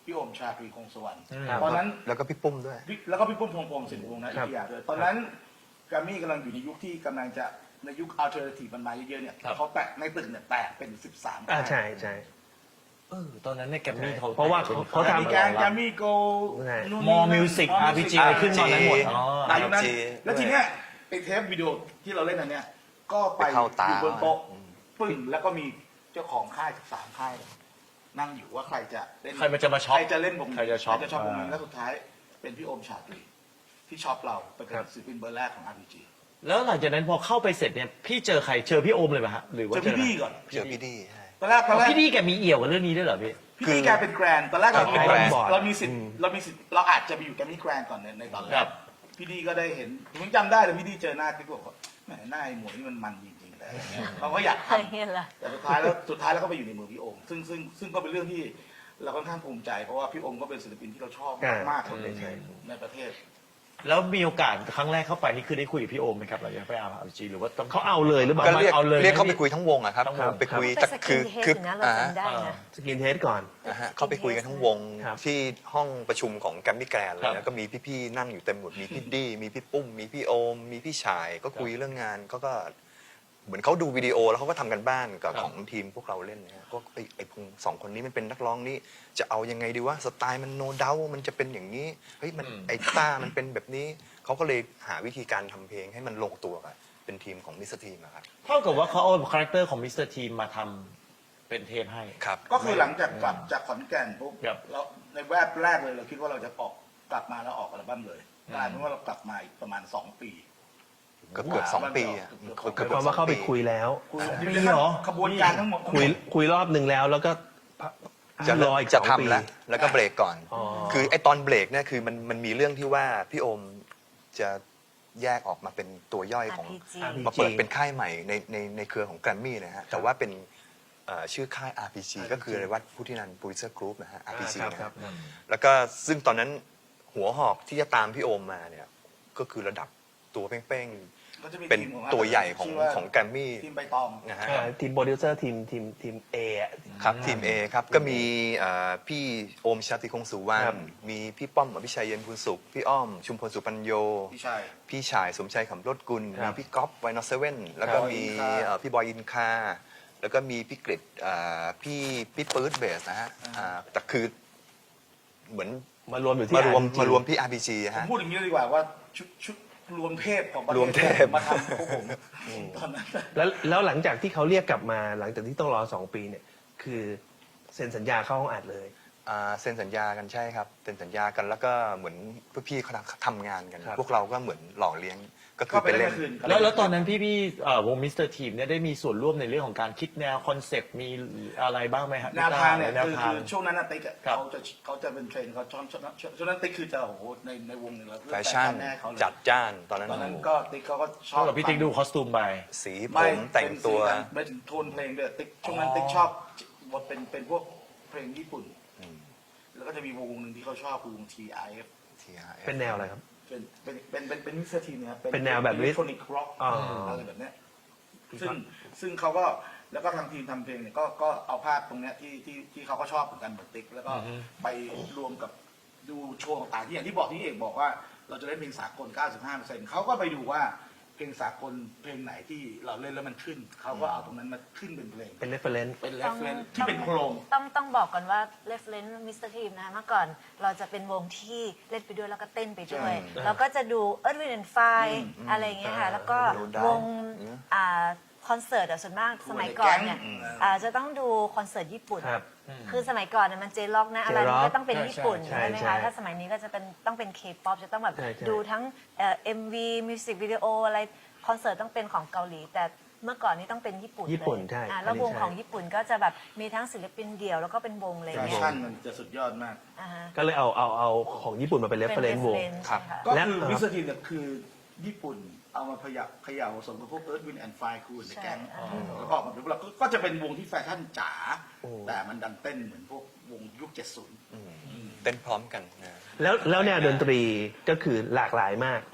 E: พี่โอมชาตรีคงสวรรค์
A: ครับ
E: ตอนนั้น
D: แล้วก็พี่ปุ้มด้วย
E: พี่แล้วก็พี่ปุ้มพงษ์พงศ์สินวงศ์นะ
A: ค
E: อิ
A: รับ
E: ทยาด้วยตอนนั้นแกรมมี่กำลังอยู่ในยุคที่กำลังจะในยุคอัลเทอร์เนทีฟมันมาเยอะๆเนี่ยเขาแตกในตึกเนี่ยแตกเป็นสิบสาม
A: อ่าใช่ใช่
B: เออตอนนั้นเนี่ยแกรมมี่เขา
A: เพราะว่าเขาเขา
E: แกรม
A: ทำ
E: มี่แกรมแกรมมี่โก
A: ใช่
B: มอมิวสิก อาร์ พี จี อะไรขึ้นตอนนั้นหมดอ๋อ
E: ในยุคนั้น
D: จี
E: แล้วทีเนี้ยไอ้เทปวิดีโอที่เราเล่นอันเนี้ยก็ไป
D: ไปเข้าตา
E: อยู่บนโต๊ะปึ้งแล้วก็มีเจ้าของค่ายสามค่าย นั่งอยู่ว่าใครจะเล่น
B: ใครมันจะมาช็อป
E: ใครจะเล่นวงนี้
B: ใครจะช็อป
E: ใครจะช็อปวงนี้
B: อ่า
E: แล้วสุดท้ายเป็นพี่โอมชาตรีที่ช็อปเราเป็นศิลปินเบอร์แรกของ อาร์ พี จี
B: แล้วหลังจากนั้นพอเข้าไปเสร็จเนี่ยพี่เจอใครเจอพี่โอมเลยป่ะฮะหรือว่า
E: เจอพี่บี้ก่อน
D: เจอพี่ดีใช่
E: ตอนแรกตอนแรก
B: พี่ดีแกมีเอี่ยวกับเรื่องนี้ด้วยเหรอพี่
E: พี่บี้แกเป็นแกรนด์ตอนแรกเรา
A: ครับ
E: เรามี
A: บอร์ด
E: เรามีสิทธิ์เรามีสิทธิ์เราอาจจะไปอยู่แกรมมี่แกรนด์ก่อนในในตอนแร
B: ครั
E: ก
B: บ
E: พี่ดีก็ได้เห็นผมจำได้เลยพี่ดีเจอหน้าพี่ก็บอกว่าแหมหน้าไอ้หมวยนี่มันมันจริงๆเลยเขาก็อยาก
F: เคย
E: ทำ
F: เห็นละ
E: แต่สุดท้ายแล้วสุดท้ายแล้วก็ไปอยู่ในมือพี่โอมซึ่งซึ่งซึ่งก็เป็นเรื่องที่เราค่อนข้างภูมิใจเพราะว่าพี่โอมก็เป็นศิลปินที่เราชอบ
A: อ่าม
E: มากคนหนึ่งในในประเทศ
B: แล้วมีโอกาสครั้งแรกเข้าไปนี่คือได้คุยกับพี่โอมไหมครับหลังจากไปอาร์ พี จี หรือว่าต้อง
A: เขาเอาเลยหรือเปล่า
D: ก็เรียก
B: เอาเลย
D: เรียกเข้า
B: นะ
D: ไปคุยทั้งวงอะครับ
B: ทั้งวง
D: ไปคุย
F: เป็น
D: แต่
F: สกิ
D: คื
F: น
D: อ
F: เฮด
D: คือ
F: อยู่นะเรา
D: อ่า
F: จำได้นะ
A: สกินเทสก่อน
D: นะฮะเข้าไปคุยกันทั้งวง
A: ครับ
D: ที่ห้องประชุมของแกรมมี่แกรนด์เลย
B: ครั
D: นะ
B: บ
D: ก็มีพี่ๆนั่งอยู่เต็มหมดมีพี่ดี้มีพี่ปุ้ม มีพี่โอม มีพี่ชาย ก็คุยเรื่องงานเขาก็เหมือนเขาดูวิดีโอแล้วเขาก็ทำกันบ้านกับ
B: ครับ
D: ของทีมพวกเราเล่นนะฮะก็ไอ้ไอ้พงสองคนนี้มันเป็นนักร้องนี่จะเอายังไงดีว่าสไตล์มันโนเดามันจะเป็นอย่างนี้เฮ้ยมันไอ้ต้ามันเป็นแบบนี้เขาก็เลยหาวิธีการทำเพลงให้มันลงตัวกับเป็นทีมของมิสเตอร์ทีมอะครับ
B: เท่ากับว่าเขาเอาคาแรคเตอร์ของมิสเตอร์ทีมมาทำเป็นเทปให้
D: ครับ
E: ก็คือหลังจากกลับจากขอนแก่นปุ๊บ
B: ครับ
E: แล้วในแวบแรกเลยเราคิดว่าเราจะออกกลับมาแล้วออกอัลบั้มเลยกลายเป็นว่าเรากลับมาอีกประมาณสองปี
D: เกือบเกือบสองปีอะ
E: เกือบ
D: เกือบ
A: ห
D: เกื
A: มา
D: อย บ
A: ความ
D: สอ
A: ว่าง เข้าไป
D: ปี
A: คุยแล้ว
E: คุย
B: มีเหรอ
E: ขบวนการทั้งหมด
A: คุยคุยรอบหนึ่งแล้วแล้วก็
D: จะ
A: รออีก
D: จะ
A: สองปี
D: ทำแล้วแล้วก็เบรกก่อน
A: อ๋อ
D: คือไอ้ตอนเบรกเนี่ยคือมันมันมีเรื่องที่ว่าพี่โอมจะแยกออกมาเป็นตัวย่อยของ
F: อาร์ พี จี
D: มาเปิดเป็นค่ายใหม่ในในในเครือของแกรมมี่นะฮะแต่ว่าเป็นเอ่อชื่อค่าย อาร์ พี จี ก็คืออะไรวัดพุทธินันท์โปรดิวเซอร์กรุ๊ปนะฮะ อาร์ พี จี
A: ครับ
D: นะ
A: ค
D: ค
A: รั
D: รั
A: บบ
D: แล้วก็ซึ่งตอนนั้นหัวหอกที่จะตามพี่โอมมาเนี่ยก็คือระดับตัวเป้ง
E: ก็จะมี
D: ๆ เป็น
E: ทีมของ
D: ตัวใหญ่ของ
E: ชื่ว่า
D: ของแกรมมี่
E: ทีมใบตอง
D: นะฮะ
A: อ่าทีมโปรดิวเซอร์ทีมทีมทีมเอะ
D: ครับทีม A ครับก็มีเอ่อพี่โอมชาติคงสุวรร
A: ครั
D: ณ
A: บ
D: มีพี่ป้อมอภิชัยเย็นพูนสุข พี่อ้อมชุมพลสุปัญโย
E: พี่ชาย
D: พี่ชายสมชัยขำรถกุล
A: ครั
D: มี
A: บ
D: พี่ก๊อฟไวนอเซเว่นแล้วก็
E: ครับ
D: มี
E: บอยอินคา
D: เอ่อพี่บอยอินคา แล้วก็มีพี่กฤษเอ่อพี่พี่ปื๊ดเบสนะฮะอ่าแต่คือเหมือน
A: มารวมอยู่ที่
D: มารวม
A: อาร์ พี จี
D: มารวมที่ อาร์ พี จี
E: ผม
D: ฮะ
E: พูดอย่างนี้เลยดีกว่าว่าชุดชุดรวมเทพของประเทศ
D: รวมเทพ
E: มาทำพวกผมตอนนั้น
A: แล้วแล้วหลังจากที่เขาเรียกกลับมาหลังจากที่ต้องรอสองปีเนี่ย คือเซ็นสัญญาเข้าห้องอัดเลย
D: อ่าเซ็นสัญญากันใช่ครับเซ็นสัญญากันแล้วก็เหมือนพี่ๆเขาทำงานกัน
A: ครับ
D: พวกเราก็เหมือนหล่อเลี้ยงก็คื
E: ก็
D: อ
E: ไป
D: ไป
E: เล่
D: เล่
E: น
D: น
E: คืน
B: แล้วแล้วตอนนั้นพี่พี่เอ่อวงมิสเตอร์ทีมเนี่ยได้มีส่วนร่วมในเรื่องของการคิดแนวคอนเซปต์มีอะไรบ้างไหมฮะ
E: แนวทางเนี่ย
B: แนว
E: คือ
B: ทาง
E: คือช่วงนั้นนะติ๊กอะ
B: ครับ
E: เขาจะเขาจะเป็นเทรนด์เขาชอบช่วงนั้นช่วงนั้นติ๊กคือจะโอ้โหในในวงเนี่ยเรา
D: แฟชั่น
E: แน่เขาเลย
D: จัดจ้านตอนนั้น
E: ตอนนั้น
D: โอ้โห
E: ก็ติ๊กเขาก็ชอ
B: เท่า
E: บ
B: กับพี่ติ๊กดูคอสตูมไป
D: สีผ
E: ไม่
D: มแต่งตัว
E: เป็นสีกันไม่ถึงโทนเพลงด้วยติ๊กช่วงนั้นติ๊กชอบบทเป็นเป็นพวกเพลงญี่ปุ่น
D: อืม
E: แล้วก็จะมีวงหนึ่งที่เขาชอบคือวง ที ไอ เอฟ
D: ที อาร์ เอฟ
A: เป็นแนวอะไรครับ
E: เป็นเป็นเป็นเป็นเป็นมิสเตอร์ทีมนะครับ
A: เป็นแนวแบบ
E: อิเล็กทรอนิกส์ร็อก
A: อ๋ออ
E: อะไรแบบเนี้ยซึ่งซึ่งเขาก็แล้วก็ทางทีมทำเพลงเนี่ยก็ก็เอาภาพตรงเนี้ยที่ที่ที่เขาก็ชอบเหมือนกันเหมือนติ๊กแล้วก็ไปรวมกับดูโชว์ต่างๆที่อย่างที่บอกที่เอกบอกว่าเราจะเล่นเพลงสากล เก้าสิบห้าเปอร์เซ็นต์ เขาก็ไปดูว่าเพลงสากลเพลงไหนที่เราเล่นแล้วมันขึ้น เขาก็เอาตรงนั้นมาขึ้นเป็นเพลง
A: เป็นเรฟเฟรนซ์
E: เป็นเรฟเฟรนที่เป็นโครง
F: ต้องต้องบอกก่อนว่า reference มิสเตอร์ทีมนะคะเมื่อก่อนเราจะเป็นวงที่เล่นไปด้วยแล้วก็เต้นไปด้วย
D: ใช่
F: แล้วก็จะดู Earth Wind and Fire อะไรอย่างเงี้ยค่ะ แล้วก็
D: No Doubt
F: วง
D: อืม
F: อ่าคอนเสิร์ตอะส่วนมากสมัยก่อนเนี่ย
E: อืม
F: อ่าจะต้องดูคอนเสิร์ตญี่ปุ่น
A: ครับ
F: คือสมัยก่อนเนี่ยมันเจล็อกนะอะไรมัน
A: J-rock
F: ก็ต้องเป็นญี่ปุ่น
A: ใช่
F: ใช่ไหม
A: ใช่
F: คะถ้าสมัยนี้ก็จะเป็นต้องเป็นเคป๊อปจะต้องแบบ
A: ใช่ใช่
F: ดูทั้งเอ่อ็มวีมิวสิกวิดีโออะไรคอนเสิร์ตต้องเป็นของเกาหลี แต่เมื่อก่อนนี้ต้องเป็นญี่ปุ่น
A: ญี่ปุ่น
F: เลย
A: ใช่
F: อ่าแล้ว
A: อันนี้
F: วง
A: ใช่
F: ของญี่ปุ่นก็จะแบบมีทั้งศิลปินเดี่ยวแล้วก็เป็นวงอะไร
E: แฟ
F: เงี้ย
E: ชั่นมันจะสุดยอดมาก
F: อ่าฮะ
A: ก็เลยเอาเอาเอาของญี่ปุ่นมาเป็นเรฟเฟรนซ์วง
F: reference
D: ครับ
F: ใช่ะ
E: ก็
A: และ
E: คือ
A: เอ่อ
E: มิสเตอร์ทีมเนี่ยคือญี่ปุ่นเอามาพยับเขย่าผสมกับพวกเอิร์ธวินแอนด์ไฟคูนในแก๊ง
F: ใช่
E: แล้วก็ออกมาเป็นแล้วก็จะเป็นวงที่แฟชั่นจ๋าแต่มันดันเต้นเหมือนพวกวงยุคเจ็ดสิบ
D: เต้นพร้อมกันนะ
A: แล้วแล้วแนวดนตรีก็คือหลากหลายมาก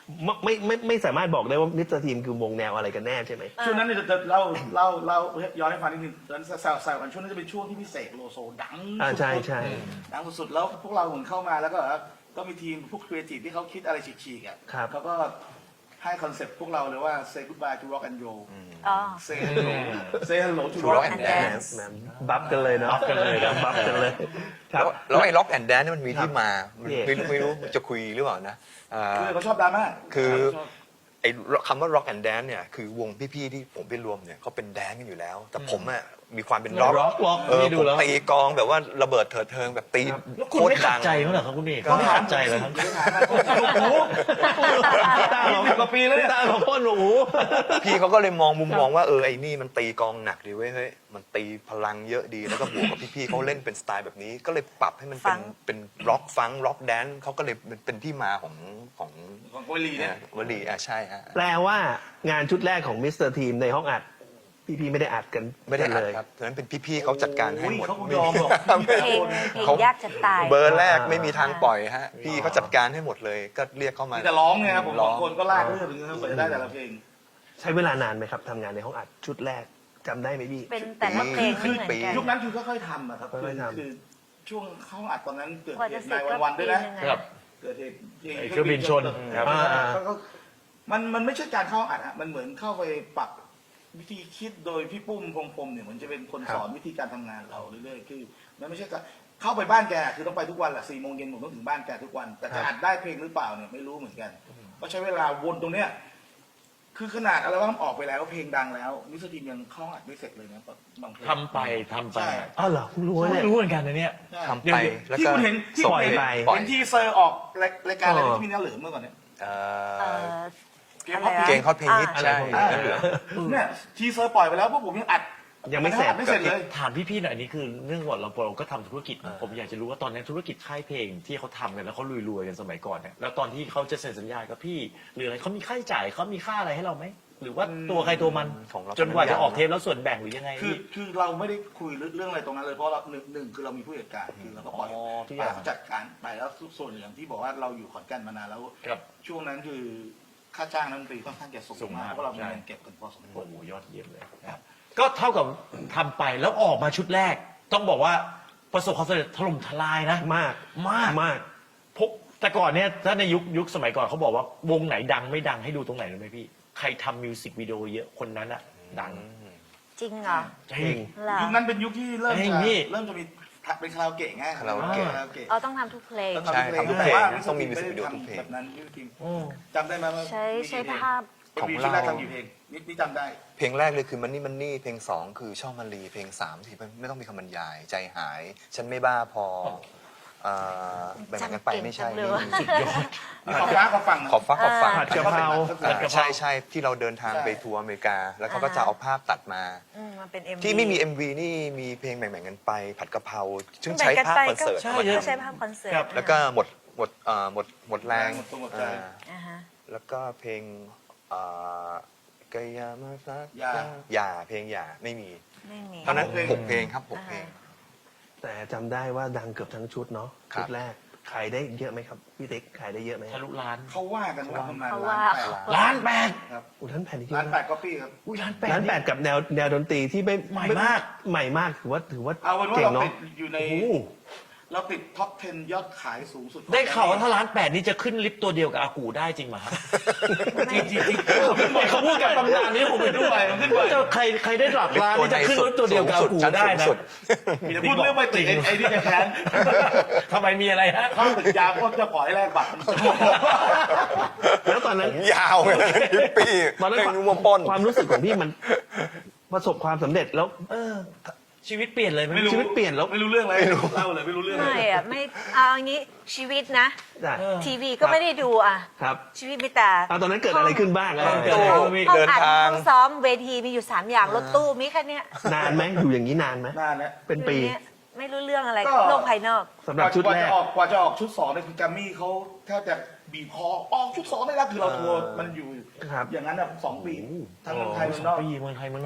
A: ไม่ไม่ไม่ไม่สามารถบอกได้ว่ามิสเตอร์ทีมคือวงแนวอะไรกันแน่ใช่ไหม
E: ช่วงนั้นเนี่ยจะเล่าเล่าเล่าย้อนให้ฟังนิดนึงตอนนั้นแซวแซวกันช่วงนั้นจะเป็นช่วงที่พี่เสกโลโซดัง
A: อ่าใช่
E: สุดๆ
A: ใช่
E: ดังสุดๆแล้วพวกเราเหมือนเข้ามาแล้วก็แบบว่าก็มีทีมพวกครีเอทีฟที่เขาคิดอะไรฉีกๆอ่ะ
A: ครับ
E: เขาก็ให้คอนเซ็ปต์พวกเราเลยว่า say goodbye to rock and roll
F: อ๋อ
E: say hello say hello to
D: To
E: rock
D: rock
E: and
D: and
E: dance
A: แหมบัฟกันเลยเนาะ
B: บัฟกันเลยนะ
A: บัฟกันเลยครั
D: แล้
A: บ
D: วแล้วไอ้ล็อกแอนด์แดนนี่มันมีที่มาไม่
A: เนี่ย
D: ไม่รู้ไม่รู้จะคุยหรือเปล่านะอ่า
E: คือเขาชอบดราม่า
D: คือ
E: ชอบ
D: ไอ้คำว่า rock and dance เนี่ยคือวงพี่ๆที่ผมไปรวมเนี่ยเขาเป็นแดนกันอยู่แล้ว แต่ผมอะมีความเป็น rock
B: rock rock
D: เออ
B: นี่ดู
D: ผม
B: แล้ว
D: ตีกลองแบบว่าระเบิดเถิดเทิงแบบตี
B: แล้วคุณ
D: โคต
B: ไม่
D: ร
B: ขั
D: ดั
B: ด
D: ง
B: ใจมั้งเหรอครับคุณเอกไม่ขัดใจเหรอครับ
E: ลูกหู
A: ตาของ
E: สิบกว่าปีแล้วเนี่ย
A: ตาของพ่อหนู
D: พี่เขาก็เลยมองมุมมองว่าเออไอ้นี่มันตีกลองหนักดีเว้ยเฮ้ยมันตีพลังเยอะดีแล้วก็บวกกับพี่ๆเขาเล่นเป็นสไตล์แบบนี้ ก็เลยปรับให้มันเป็น
F: ฟัง
D: เป็นร็อกฟังร็อกแดนเขาก็เลยเป็นเป็นที่มาของของ
E: ของโกลีเนี่ย
D: วลีอ่ะใช่ฮะ
A: แปลว่างานชุดแรกของมิสเตอร์ทีมในห้องอัด พี่ๆไม่ได้อัดกัน
D: ไม่ได้
A: กัน
D: อัด
A: เลย
D: ครับฉะนั้นเป็นพี่ๆเขาจัดการให้หมด
E: เขาคงยอมหรอก
F: เพลงเพลงยากจะตาย
D: เบอร์แรกไม่มีทางปล่อยฮะพี่เขาจัดการให้หมดเลยก็เรียกเข้ามา
E: แต่ร้องไงครับผม
D: ร้
E: ส
D: อ
E: อง งคนก็ลากเรื่องถึงจะกว่าจะได้แต่ละเพลง
A: ใช้เวลานานไหมครับทำงานในห้องอัดชุดแรกจำได้ไหมพี่
F: เป็นแต่ละเพลงไม่เหมือนกัน
E: ยุคนั้นคือค่อยๆทำอะครับ
A: ค่อยๆทำ
E: คือช่วงเข้าอัดตอนนั้นเกิด
F: กว่า
E: เห
F: จะ
E: ตุ
F: เสร็
E: นา
F: จ
E: ย
F: ก็
E: วันๆด้วยนะ
F: ปีหงอะ
B: ครับ
E: เกิดเหตุ
B: ไอ้เครื่องบินชนครับ
E: อ่า
A: อ่า
E: ก็มันมันไม่ใช่การเข้าอัดฮะมันเหมือนเข้าไปปรับวิธีคิดโดยพี่ปุ้มพงพรหมเนี่ยมันจะเป็นคนสอนวิธีการทำงานเราเรื่อยๆคือมันไม่ใช่การเข้าไปบ้านแกคือต้องไปทุกวันแหละสี่โมงเย็นผมต้องถึงบ้านแกทุกวัน แต่จะอัดได้เพลงหรือเปล่าเนี่ยไม่รู้เหมือนกันก็ใช้เวลาวนตรงเนี้ยคือขนาดอัลบั้มออกไปแล้วเพลงดังแล้วมิสเตอร์ทีมยังเข้าอัดไม่เสร็จเลยนะบางเพลง
B: ทำไปทำไป
E: ใช่
A: อ้าวเหรอเพิ่งรู้ว่า
B: ไม่
A: เนี่ย
B: รู้เหมือนกันนะเนี่ย
E: ใช่
D: ทำไปแล้ว
E: ที่
D: ก็
E: คุณเห็นที่
D: ส่ง
E: คุณเห็น
A: ไป
D: ปล่อย
E: เห็นที่เซอร์ออกรายการอะไร
A: อ๋อ
E: ที่มีเนื้อเหลืองเมื่อก่อนเนี่ย
D: เอ่
F: เอ่
D: อ
F: อ
E: เกมฮอต
F: อะไรนะ
D: เก่งฮอตเพลงฮิต
F: อ่า
D: ใช่
A: อะไรพวกนี้
D: เนื้อเหลือง
E: เนี่ยทีเซอร์ปล่อยไปแล้วพวกผมยังอัด
A: ยังไม่เสร็จ
E: อัดไม่เสร็จเลย
B: ถามพี่ๆหน่อยนี่คือเรื่องก่อนเราเราก็ทำธุรกิจ ผมอยากจะรู้ว่าตอนนั้นธุรกิจค่ายเพลงที่เขาทำกันแล้วเขารวยๆกันสมัยก่อนเนี่ยแล้วตอนที่เขาจะเซ็นสัญญากับพี่ หรืออะไรเขามีค่าใช้จ่ายเขามีค่าอะไรให้เราไหมหรือว่าตัวใครตัวมัน
D: ของเรา
B: จนกว่าจะออกเทปแล้วส่วนแบ่งหรือยังไง
E: คือ
B: พี่
E: คือเราไม่ได้คุยเรื่องอะไรตรงนั้นเลยเพราะเราหนึ่งหนึ่งคือเรามีผู้จัดการคือเราก็ปล่อย
B: อ๋อทุกอ
E: ปล่
B: ย่า
E: อง ยเขาจัดการไปแล้วส่วนอย่างที่บอกว่าเราอยู่ขอนแก่นมานานแล้ว
B: ครับ
E: ช่วงนั้นคือค่าจ้างนักดนตรีค่อนข้างจะสูง
B: สูงมาม
E: าก กเพราะเรามี
B: ใช่
E: เงินเก็บกันพอสมคว
B: โอ้
E: ร
B: โหยอดเยี่ยมเลยครับก็เท่ากับทำไปแล้วออกมาชุดแรก ต้องบอกว่าประสบความสำเร็จถล่มทลายนะ
A: มาก
B: มาก
A: มาก
B: พวกแต่ก่อนเนี่ยถ้าในยุคยุคสมัยก่อนเขาบอกว่าวงไหนดังไม่ดังให้ดูตรงไหนรู้ไหมพี่ ใครทำมิวสิกวิดีโอเยอะคนนั้นอะดัง
F: จริงเหรอ
B: จริง
F: เหรอ
E: ยุคนั้นเป็นยุคที่เริ่ม
B: เฮ้ย
E: จะ
B: พี่
E: เริ่มจะมีเป็นคาราโอเกะไง
D: คาราโอเกะ
E: คาราโอเกะ
F: เอาต้องทำทุกเพลง
E: ต้อง
D: ใช่
E: ทำทุกเพลง
D: ทำทุกเพลง
E: แต่ว่า
D: ต้องมี
E: มิส
D: music
E: เตอร์
D: video ทุกเพลง
E: แบบนั้นมิสเตอร์ทีม
B: อืม
E: จำได้ไหมว่า
F: ใช้
E: มี
F: ใช้
E: กี่เพลง
F: ภาพ
D: ของ
E: มี
D: เรา
E: ชุดแรกทำกี่เพลงนี่นี่จำได้
D: เพลงแรกเลยคือมันนี่มันนี่เพลงสองคือช่อมาลีเพลงสามที่ไม่ต้องมีคำบรรยาย ใจหาย ฉันไม่บ้าพออ่าแบ่งกันไปไม่ใช่
F: จำเก่งจังเลยว่ะ
B: สุดยอด
E: มีขอบฟ้าขอบฝั่งนะ
D: ขอบฟ้าขอบฝัง
A: ผัดกะเพรา
D: อ่า
B: ผัดกะเพรา
D: ใช่ใช่ที่เราเดินทาง
E: ใช่
D: ไปทัวร์อเมริกา แล้วเขาก็จะเอาภาพตัดมา
F: อืมมันเป็นเอ็ม
D: ที่ไม่มี เอ็ม วี นี่มีเพลงแบ่งๆกันไป ผัดกะเพราซึ่ง
F: แบ่
D: ใช้
F: งกัน
D: ภาพ
F: ไป
D: คอนเสิร์ต
F: ก็
D: มา
F: ก็
D: ท
F: ใช้ภาพคอนเสิร์ต
B: ครับ
D: ำแล้วก็หมดหมดเอ่อหมดหมดแรง
E: หมดตัวหมดใจ
D: อ่า
F: อ่าฮะ
D: แล้วก็เพลงเอ่อกายามาสัก
E: อย่า
D: อย่าเพลงอย่าไม่มี
F: ไม่มี
D: ตอนนั้น
E: หกเพลง
D: หกเพลงครับหกเพลง
A: แต่จำได้ว่าดังเกือบทั้งชุดเนาะ
D: ครับ
A: ชุดแรกขายได้เยอะไหมครับพี่ติ๊กขายได้เยอะไหม
B: ทะลุล้าน
E: เขาว่ากันว่าประมาณ
F: เขา
E: ล้า
F: ว่าน
E: แปด
B: ล้านแปด
E: ครับ
A: อุยท่านแผ่นที่เย
E: ล้าน
A: อะ
E: แป
A: นะ
E: ดก๊อปปี้ครับ
B: อุ้ยล้านแปด
A: ร้านแปดกับแนวแนวดนตรีที่ไม่
B: ใหม่มาก
A: ใหม่มากถือว่าถือว่า
E: เอาเป็นว่า
A: เก่ง
E: เรา
A: เนาะ
E: ติดอยู่ใน
B: โอ้โห
E: เราติดท็อปสิบยอดขายสูงสุดของ
B: ได้ข่าวว่าถ้าล้านแปดนี่จะขึ้นลิฟต์ตัวเดียวกับอากูได้จริงไหมครับจริงจริงจริงเขาพูดกับตำนานนี้ผมไปด้วยมันขึ้นไปใครใครได้หลักล้านนี่จะขึ้นลิฟต์ตัวเดียวกับอากูได้นะ
D: สูงสุด
E: อย่าพูดเรื่องไม่ติดไอ้ไอ้นี่จะแค้น
B: ทำไมมีอะไรฮะ
E: เข้าตึกยาก็จะขอให้แลกบัตร
A: แล้วตอนนั้น
D: ผมยาวเลยฮิปปี้
A: ตอนนั้น
D: เพลงนุ่มป้น
A: ความรู้สึกของพี่มันประสบความสำเร็จแล้ว
B: เออ ชีวิตเปลี่ยนเลยไหม
E: ไม่รู้
A: ชีวิตเปลี่ยนแล้ว
E: ไม่รู้เรื่องอะไรเล่าเลยไม่รู้เรื่องเล
F: ไม่
E: ย
F: อะไม่เอาอย่างนี้ชีวิตนะ
A: จ้ะ
B: เออ
F: ทีวีก็ไม่ได้ดูอ่ะ
A: ครับ
F: ชีวิตมีแต่
A: เอาตอนนั้นเกิดอะไรขึ้นบ้างอะ
B: เออ
D: ตู้
F: ห้อง
D: เดิน
F: อัด
D: ทาง
F: ห้องซ้อมเวทีมีอยู่สามอย่างรถตู้มีแค่เนี้ย
A: นานไหมอยู่อย่างนี้นานไหม
E: นานนะ
A: เป็นปี
F: อยู่เนี้ยไม่รู้เรื่องอะไร
E: ก็
F: โลกภายนอก
A: สำหรับชุด
E: กว่า
A: แร
E: จะ
A: ก
E: ออกกว่าจะออกชุดสองเนี่ยคือแกรมมี่เขาแทบจะบีบคอออกชุดสองได้แล้วคือเราทัวร์มันอยู่
A: ครับ
E: อย่างนั้นอ่ะสองปีทั้งเมืองไทย
B: โอ้
E: เมือง
B: ส
E: น
B: อ
E: อง ก
B: ปีเมืองไทยเมืองนอก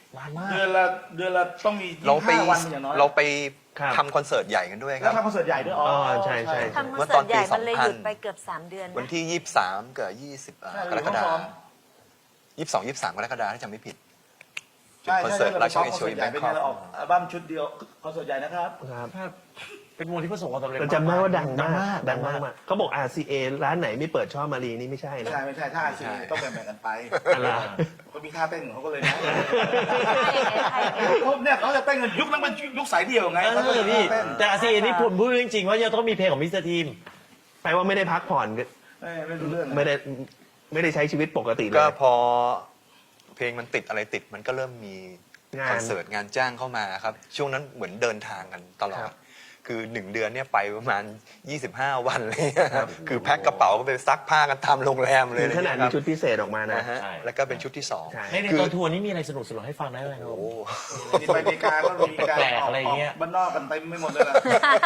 B: นานมาก
E: เดือนละเดือนละต้องมี
D: เราไป
E: ยี่สิบห้าวันอย่างน้อย
D: เราไป
A: ครับ
D: ทำคอนเสิร์ตใหญ่กันด้วยค
E: แล้
D: รั
E: ว
D: บ
E: ทำคอนเสิร์ตใหญ่ด้วยอ๋อ
A: อ๋อใช่ใช่
F: ทำคอนเสิร์ตใหญ่มันเลยหยุดไปเกือบสามเดือน
D: วัน
F: นะ
D: ที่ยี่สิบสามกับยี่สิบ
E: ใช่
D: กรกฎา
E: เรา
D: ค
E: ซ้อ
D: ม
E: ม
D: ยี่สิบสองยี่สิบสามกรกฎาคมถ้าจำไม่ผิด
E: ใช่
D: คอน
E: ใช่
D: เสิร์ต
E: เรา
D: รา
E: ไป
D: ช
E: ซ้อม
D: วิ
E: คอน
D: ช
E: เสิ
D: ว
E: ร์
D: ล
E: ตใหญ่
D: แบง
E: เป็น
D: ค
E: ไง
D: อก
E: เราออกอัลบั้มชุดเดียวคอนเสิร์ตใหญ่นะครับ
A: ครับ
B: เป็นวงที่ประสบความสำเร็จ
A: แต่จำได้ว่าดัง
B: ดั
A: มาง ก
B: มาก
A: ดังมากมากเขาบอก อาร์ ซี เอ ร้านไหนไม่เปิดช่อมารีนี่ไม่ใช่นะ
E: ใช่ไม่ใช่ท่าซีต้องแบ่งๆกันไป
A: อะไร
E: เขามีท่าเต้นของเขาก็เลยนะ
F: ใช่ไงใช่ไง
E: เขาเนี่ยเขาจะเต้นกันยุคนั้นเป็นยุคสายเดี่ยวไง
B: เอ
E: เขาก็
B: อ
E: เลย
B: พี่
E: เต้น
B: แต่อาซีนี่ผมพูดจริงๆว่าจะต้องมีเพลงของมิสเตอร์ทีม
A: แปลว่าไม่ได้พักผ่อนก็
E: เอ้ยไม่รู้เรื่องนะ
A: ไม่ได้ไม่ได้ใช้ชีวิตปกติเลย
D: ก็พอเพลงมันติดอะไรติดมันก็เริ่มมี
A: งาน
D: คอนเสิร์ตงานจ้างเข้ามาครับ ช่วงนั้นเหมือนเดินทางกันตลอ
A: ครั
D: ด
A: บ
D: คือหนึ่งเดือนเนี่ยไปประมาณยี่สิบห้าวันเลยครับคือแพ็คกระเป๋าก็ไปซักผ้ากันตามโรงแรมเลย
A: ถึงขนาดมีชุดพิเศษออกมานะ
D: นะฮะ
B: ใช่
D: แล้วก็เป็นชุดที่สอง
A: ใช่
B: ในใน
D: คือ
B: ตอนทัวร์นี้มีอะไรสนุกสนุกให้ฟังได้ไหมครับ
D: โอ้โห
E: นี่ไปอเมริกาก็มีการ
B: แปลกๆอะไรเงี้ย
E: กบ้านนอกกันเต็มไม่หมดเลยนะ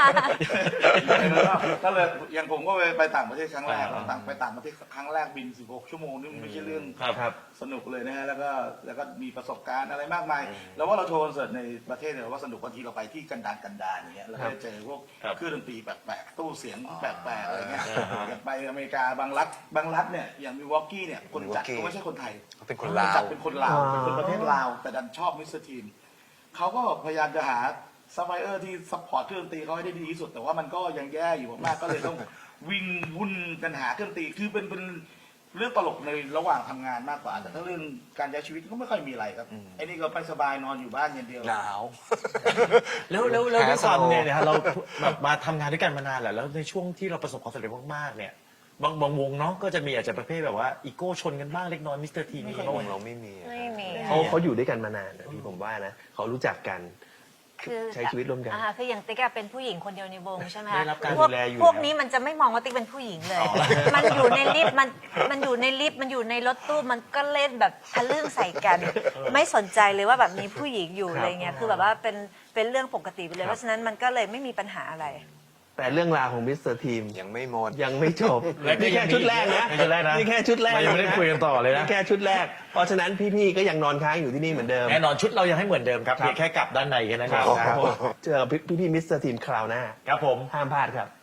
E: ก็เลยอย่างผมก็ไปไปต่างประเทศครั้งแรกต่างไปต่างประเทศครั้งแรกบินสิบหกชั่วโมงนี่มันไม่ใช่เรื่อง
B: ครับครับ
E: สนุกเลยนะฮะแล้วก็แล้วก็มีประสบการณ์อะไรมากมาย แล้วว่าเราโชว์คอนเสิร์ตในประเทศเนี่ยเราว่าสนุกบางทีเราไปที่กันดารกันดารอย่างเงี้ยเราก็จะเจอพวก
B: ครับ
E: เครื่องดนตรีแปลกๆตู้เสียงแปลกๆอะไรเงี้ย
B: อ่าฮะ
E: อย่างไปอเมริกาบางรัฐบางรัฐเนี่ยอย่างมิลวอกกี้เนี่ยคนจัด
D: Milwaukee
E: ก็ไม่ใช่คนไทย
D: เขาเป็นคน
E: ค
D: ลาน
E: จั
D: ว
E: ดเป็นคนลาวเป็นคนประเทศลาวแต่ดันชอบมิสเตอร์ทีมเขาก็พยายามจะหาซัพพลายเออร์ที่ซัพพอร์ตเครื่องดนตรีเขาให้ได้ดีที่สุด แต่ว่ามันก็ยังแย่อยู่มากๆก็เลยต้องวิ่งวุ่นกันหาเครื่องดนตรีคือเป็นเป็นเรื่องตลกในระหว่างทำงานมากกว่า แต่ถ้าเรื่องการใช้ชีวิตก็ไม่ค่อยมีอะไรครับไอ้นี่ก็ไปสบายนอนอยู่บ้านอย่างเดียว
D: หนาว
B: แล้วแล้วแล้วด้วย
D: หา
B: ความ
D: สโลว์
B: เนี่ยนะฮะเราแบบมาทำงานด้วยกันมานานแหละแล้วในช่วงที่เราประสบความสำเร็จมากๆเนี่ยบางบางวงเนาะก็จะมีอาจจะประเภทแบบว่าอีโก้ชนกันบ้างเล็กน้อยมิสเตอร์ทีม
E: ไม่
B: นี่
E: ค่อย
D: วงเราไม่มีอะ
F: ไม่มี
A: เขาเขาอยู่ด้วยกันมานานนะพี่ผมว่านะเขารู้จักกัน
F: คือ
A: ใช้ชีวิตร่วมกัน
F: อ่าคืออย่างติ๊กอะเป็นผู้หญิงคนเดียวในวงใช่ไหมคะ
B: ได้รับการ
F: พว
B: ดูแลอยู่
F: พวก
B: แล้ว
F: นี้มันจะไม่มองว่าติ๊กเป็นผู้หญิงเลย มันอยู่ในลิฟต์มันมันอยู่ในลิฟต์มันอยู่ในรถตู้มันก็เล่นแบบทะลึ่งใส่กัน ไม่สนใจเลยว่าแบบมีผู้หญิงอยู่
A: ครับ
F: อะไรเงี้ยคือแบบว่าเป็นเป็นเรื่องปกติไปเลย
A: ครับ
F: เพราะฉะนั้นมันก็เลยไม่มีปัญหาอะไร
A: แต่เรื่องราวของมิสเตอร์ทีม
D: ยังไม่หมด
A: ยังไม่จบ
B: และก็
A: นี่แค่
B: ยังมี
A: ชุดแรกนะ
B: นี่ชุดแรกนะ
A: นี่แค่ชุดแรก
B: เรายังไม่ได้คุยกันต่อเลยนะ
A: แค่ชุดแรก เพราะฉะนั้นพี่ๆก็ยังนอนค้างอยู่ที่นี่เหมือนเดิม
B: แน่นอนชุดเรายังให้เหมือนเดิมครับ
A: ครับ
B: เพียงแค่กลับด้านในแค่นั้น
A: ค
B: เอ
A: รับ
B: ง
A: ครับผมเจอกับพี่ๆมิสเตอร์ทีมคราวหน้า
B: ครับผม
A: ห้ามพลาดครับ